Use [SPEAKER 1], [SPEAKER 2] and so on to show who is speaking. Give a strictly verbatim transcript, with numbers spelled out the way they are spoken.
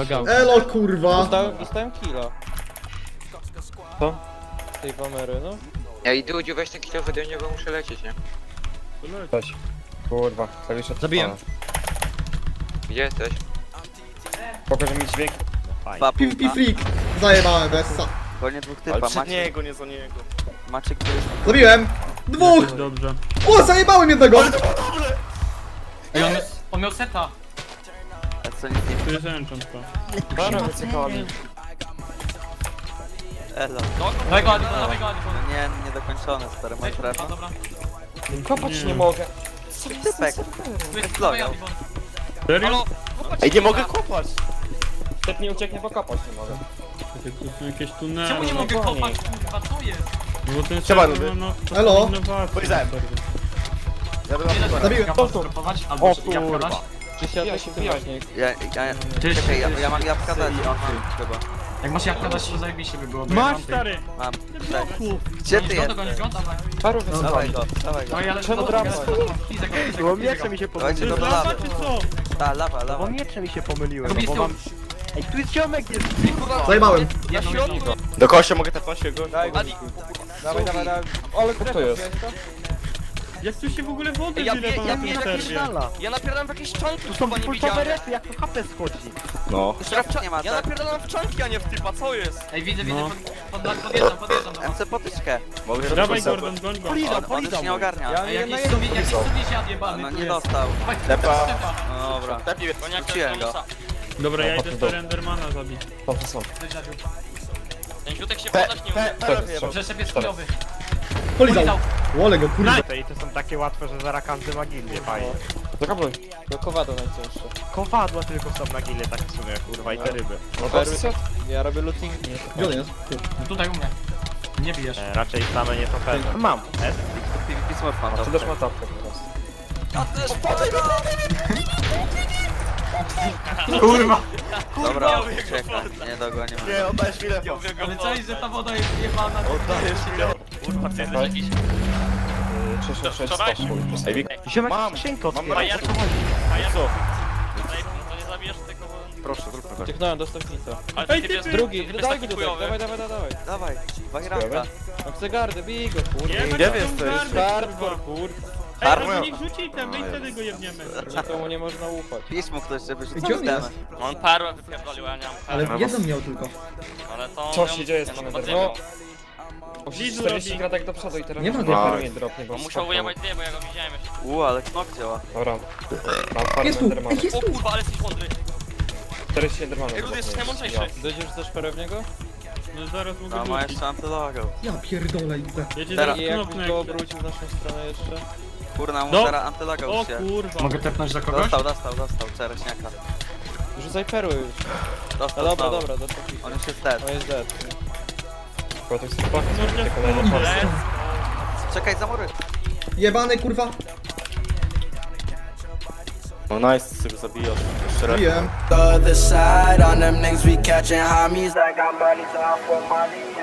[SPEAKER 1] Mega.
[SPEAKER 2] Elo kurwa!
[SPEAKER 3] Dostałem, dostałem killa.
[SPEAKER 1] Co?
[SPEAKER 3] Z tej wamery, no.
[SPEAKER 4] Ja i Dudziu, weź ten kilo ode mnie, bo muszę lecieć, nie?
[SPEAKER 1] Coś. Kurwa, klawisz od
[SPEAKER 5] Zabiłem.
[SPEAKER 1] pana.
[SPEAKER 4] Gdzie jesteś?
[SPEAKER 1] Pokażę mi dźwięk.
[SPEAKER 2] PvP freak! Zajebałem Bessa.
[SPEAKER 6] Gonię dwóch
[SPEAKER 7] Ale
[SPEAKER 6] typa,
[SPEAKER 7] przed
[SPEAKER 6] macie,
[SPEAKER 7] niego, nie za niego.
[SPEAKER 6] macie gdzieś...
[SPEAKER 2] Zabiłem! Dwóch!
[SPEAKER 5] Dobrze.
[SPEAKER 2] O, zajebałem jednego!
[SPEAKER 5] Ej, on, on miał seta.
[SPEAKER 6] A co nic nie...
[SPEAKER 5] Tu jest enchant to.
[SPEAKER 1] Dobra, wycykali.
[SPEAKER 6] Elo.
[SPEAKER 5] Dawaj go, Adifon, dawaj go, Adifon.
[SPEAKER 6] No nie, niedokończone, stary, masz
[SPEAKER 5] A,
[SPEAKER 6] trefę.
[SPEAKER 5] dobra.
[SPEAKER 1] Kopać nie mogę.
[SPEAKER 6] Typek.
[SPEAKER 5] Tu jest,
[SPEAKER 6] Vloga.
[SPEAKER 5] dawaj Adifon.
[SPEAKER 8] Serio?
[SPEAKER 7] Ej, nie mogę kopać!
[SPEAKER 1] Typ nie ucieknie, bo kopać nie mogę.
[SPEAKER 5] Tu są jakieś tunele.
[SPEAKER 8] No,
[SPEAKER 5] Czemu nie mogę kopać, kurwa, co jest? No bo ten
[SPEAKER 7] Siema,
[SPEAKER 5] serwer
[SPEAKER 7] ludy.
[SPEAKER 5] ma no,
[SPEAKER 2] Elo.
[SPEAKER 5] innowacje.
[SPEAKER 7] Pojrzałem.
[SPEAKER 8] Ja bym
[SPEAKER 2] Zabiłem.
[SPEAKER 8] Zabiłem. Propować, albo
[SPEAKER 1] O
[SPEAKER 8] jabłka
[SPEAKER 1] kurwa.
[SPEAKER 8] dać.
[SPEAKER 3] Czy się jakoś wyjaśni?
[SPEAKER 6] Ja, ja,
[SPEAKER 8] Ty,
[SPEAKER 6] czekaj, ja,
[SPEAKER 8] ty,
[SPEAKER 6] ja mam
[SPEAKER 8] ty,
[SPEAKER 6] jabłka
[SPEAKER 8] ty,
[SPEAKER 6] dać,
[SPEAKER 8] ty.
[SPEAKER 6] on ma chyba.
[SPEAKER 8] Jak masz jabłka dać, to zajebiście by było. bo ja
[SPEAKER 5] Masz
[SPEAKER 8] mam
[SPEAKER 5] stary!
[SPEAKER 6] Mam. Cześć.
[SPEAKER 5] Bloku!
[SPEAKER 6] Gdzie ty
[SPEAKER 8] Gonisz go,
[SPEAKER 6] jesteś?
[SPEAKER 8] gonisz go, dawaj.
[SPEAKER 3] Paru
[SPEAKER 6] No,
[SPEAKER 3] wysłał.
[SPEAKER 6] dawaj go, dawaj go.
[SPEAKER 8] Dawaj, ale
[SPEAKER 3] Czemu
[SPEAKER 8] to-
[SPEAKER 3] drama?
[SPEAKER 8] Fizek go, fizek go, fizek go, fizek go.
[SPEAKER 7] mi się
[SPEAKER 6] Dawajcie go
[SPEAKER 5] To
[SPEAKER 6] do
[SPEAKER 5] jest
[SPEAKER 6] lawy.
[SPEAKER 5] lava czy co?
[SPEAKER 6] Ta, lawa, lawa.
[SPEAKER 7] miecze mi się pomyliłem,
[SPEAKER 8] Robisz tył.
[SPEAKER 7] Ej, tu jest ziomek, jest!
[SPEAKER 2] Zajebałem.
[SPEAKER 8] Jedną jedną.
[SPEAKER 7] Do kościa mogę tepać go?
[SPEAKER 3] Daj go. Dawaj, dawaj, dawaj. Ale kto to jest?
[SPEAKER 5] Jak tu się w ogóle wody
[SPEAKER 9] Ja
[SPEAKER 5] wylewa
[SPEAKER 9] wie- ja
[SPEAKER 5] na tym
[SPEAKER 9] wiem,
[SPEAKER 5] serwie?
[SPEAKER 9] Ja napierdalam w jakieś czanki,
[SPEAKER 7] Tu są
[SPEAKER 9] chyba nie
[SPEAKER 7] pulsowe
[SPEAKER 9] widziałem.
[SPEAKER 7] repy, jak to H P schodzi. No.
[SPEAKER 6] Strefy nie ma,
[SPEAKER 9] Ja
[SPEAKER 6] tak?
[SPEAKER 9] napierdalam w czanki, a nie w typa, co jest?
[SPEAKER 8] Ej, widzę, widzę,
[SPEAKER 5] No.
[SPEAKER 8] pod- pod- podjeżdżam, podjeżdżam do
[SPEAKER 6] M
[SPEAKER 8] was.
[SPEAKER 6] C potyczkę.
[SPEAKER 7] Mogę
[SPEAKER 5] Dawaj Gordon, goń go.
[SPEAKER 6] On, on już nie ogarnia.
[SPEAKER 3] Ja
[SPEAKER 8] Ej,
[SPEAKER 3] nie
[SPEAKER 8] jakiś
[SPEAKER 3] na
[SPEAKER 8] suwi, jakiś suwisiad jebany
[SPEAKER 6] No
[SPEAKER 8] tu
[SPEAKER 6] nie
[SPEAKER 8] jest.
[SPEAKER 6] dostał.
[SPEAKER 8] Dawaj,
[SPEAKER 7] Tepa.
[SPEAKER 8] Stepa.
[SPEAKER 6] No dobra.
[SPEAKER 7] Tepi,
[SPEAKER 6] Wróciłem go.
[SPEAKER 5] Dobra, ja
[SPEAKER 1] No,
[SPEAKER 5] idę
[SPEAKER 1] potem
[SPEAKER 5] z Endermana zabić.
[SPEAKER 1] Tam to są.
[SPEAKER 9] Ten ziutek się
[SPEAKER 7] te,
[SPEAKER 9] podać nie umie.
[SPEAKER 7] te, te, te,
[SPEAKER 8] Przeszep jest chujowy.
[SPEAKER 2] Polizał. Wolę go, kurwa.
[SPEAKER 7] I to są takie łatwe, że zaraz każdy ma gildię, fajnie.
[SPEAKER 1] Zakapluj.
[SPEAKER 3] Do kowado najcięższe.
[SPEAKER 7] Kowadła tylko są na gildię, tak w sumie, kurwa, i te ryby.
[SPEAKER 1] No
[SPEAKER 3] Perły.
[SPEAKER 1] to
[SPEAKER 3] Ja robię lootingi.
[SPEAKER 2] Gdzie on jest? Tu.
[SPEAKER 8] No tutaj u mnie. Nie bijesz.
[SPEAKER 7] E, raczej same nie to pewne. Mam. S.
[SPEAKER 6] PvP smurf mam.
[SPEAKER 1] Ty też ma tapkę teraz.
[SPEAKER 8] Kurwa.
[SPEAKER 6] Dobra, czekaj, nie dogonię.
[SPEAKER 7] Nie, oddajesz mi lewo.
[SPEAKER 8] Ale co jest, że ta woda jest jebana?
[SPEAKER 7] Oddajesz mi lewo.
[SPEAKER 9] Kurwa, ty jesteś jakiś...
[SPEAKER 1] sześć sześć sześć
[SPEAKER 9] Wczoraj?
[SPEAKER 1] stopów.
[SPEAKER 7] Ej, Wik,
[SPEAKER 1] Ziomek,
[SPEAKER 7] mam,
[SPEAKER 1] skrzynkę
[SPEAKER 7] mam
[SPEAKER 1] otwieram.
[SPEAKER 7] na
[SPEAKER 9] A ja
[SPEAKER 7] co?
[SPEAKER 9] Tutaj, to nie zabijesz tego...
[SPEAKER 7] Proszę, zrób to.
[SPEAKER 3] Ciechnąłem do stopnica.
[SPEAKER 9] Ale
[SPEAKER 5] Ej,
[SPEAKER 9] ty
[SPEAKER 5] ty,
[SPEAKER 9] jest
[SPEAKER 5] ty.
[SPEAKER 3] Drugi,
[SPEAKER 9] jest
[SPEAKER 3] dawaj
[SPEAKER 9] taki
[SPEAKER 3] go tutaj,
[SPEAKER 9] chujowy.
[SPEAKER 3] dawaj, dawaj, dawaj.
[SPEAKER 6] Dawaj, bajranka.
[SPEAKER 3] No chcę gardę, bij go, kurde.
[SPEAKER 5] Jebać
[SPEAKER 7] Gdzie
[SPEAKER 5] tą
[SPEAKER 7] wy jesteś?
[SPEAKER 5] gardę,
[SPEAKER 3] Hardcore,
[SPEAKER 5] kurwa.
[SPEAKER 3] kurde.
[SPEAKER 5] Ej,
[SPEAKER 7] Armor.
[SPEAKER 5] ale niech rzuci temy i wtedy go jebniemy.
[SPEAKER 3] Nikomu nie można ufać.
[SPEAKER 6] Pisz mu ktoś, żeby rzucił
[SPEAKER 2] Gdzie on
[SPEAKER 6] temę.
[SPEAKER 2] jest?
[SPEAKER 9] On perłę wypierdolił, a nie mam
[SPEAKER 2] Ale
[SPEAKER 9] perły.
[SPEAKER 2] jedną miał tylko.
[SPEAKER 9] Ale to...
[SPEAKER 1] Co
[SPEAKER 9] ją-
[SPEAKER 1] się dzieje z
[SPEAKER 9] ja
[SPEAKER 1] tym
[SPEAKER 9] to
[SPEAKER 1] Endermanem?
[SPEAKER 9] podziemiał.
[SPEAKER 1] O,
[SPEAKER 5] Lizu
[SPEAKER 1] czterdzieści
[SPEAKER 5] robi.
[SPEAKER 1] kratek do przodu i teraz
[SPEAKER 2] Nie ma
[SPEAKER 1] nie
[SPEAKER 2] go.
[SPEAKER 1] perły nie dropnie, bo
[SPEAKER 9] On musiał
[SPEAKER 1] skakał.
[SPEAKER 9] wyjebać dwie, bo ja go widziałem jeszcze.
[SPEAKER 6] U, ale knok działa.
[SPEAKER 1] Dobra. Mam farmę
[SPEAKER 2] Jest tu,
[SPEAKER 1] Endermana.
[SPEAKER 2] ej, jest
[SPEAKER 9] O
[SPEAKER 2] tu.
[SPEAKER 9] kurwa, ale jesteś mądry.
[SPEAKER 1] czterdzieści Endermanów.
[SPEAKER 9] Ej, Rudy, jesteś najmądrzejszy.
[SPEAKER 3] Dojdziesz też perę w niego?
[SPEAKER 5] No zaraz mogę
[SPEAKER 6] No ma
[SPEAKER 5] rzucić.
[SPEAKER 6] jeszcze antylogo.
[SPEAKER 2] Ja pierdolę idę.
[SPEAKER 5] Ja cię
[SPEAKER 6] Teraz.
[SPEAKER 5] zaraz
[SPEAKER 3] I jakbyś
[SPEAKER 5] knopnę.
[SPEAKER 3] go obrócił w naszą stronę jeszcze?
[SPEAKER 6] Kurna, mu
[SPEAKER 5] No.
[SPEAKER 6] teraz antylogo
[SPEAKER 5] O
[SPEAKER 6] już się.
[SPEAKER 5] kurwa.
[SPEAKER 8] Mogę tepnąć za kogoś?
[SPEAKER 6] Dostał, dostał, dostał, czereśniaka.
[SPEAKER 3] Rzucaj perły już. No
[SPEAKER 6] Dostał
[SPEAKER 3] dobra,
[SPEAKER 6] znowu.
[SPEAKER 3] dobra, do stopnika.
[SPEAKER 6] On już jest dead.
[SPEAKER 3] On jest dead.
[SPEAKER 1] Bo to jest chyba
[SPEAKER 5] Można
[SPEAKER 1] te kolejne
[SPEAKER 5] wchodzić.
[SPEAKER 1] pasy.
[SPEAKER 6] Czekaj, za mury.
[SPEAKER 2] Jebany, kurwa.
[SPEAKER 7] No nice, sobie zabijasz. Jeszcze raz.
[SPEAKER 2] Zabiłem.
[SPEAKER 10] The other side on them niggas we catching homies. I got money, time for money.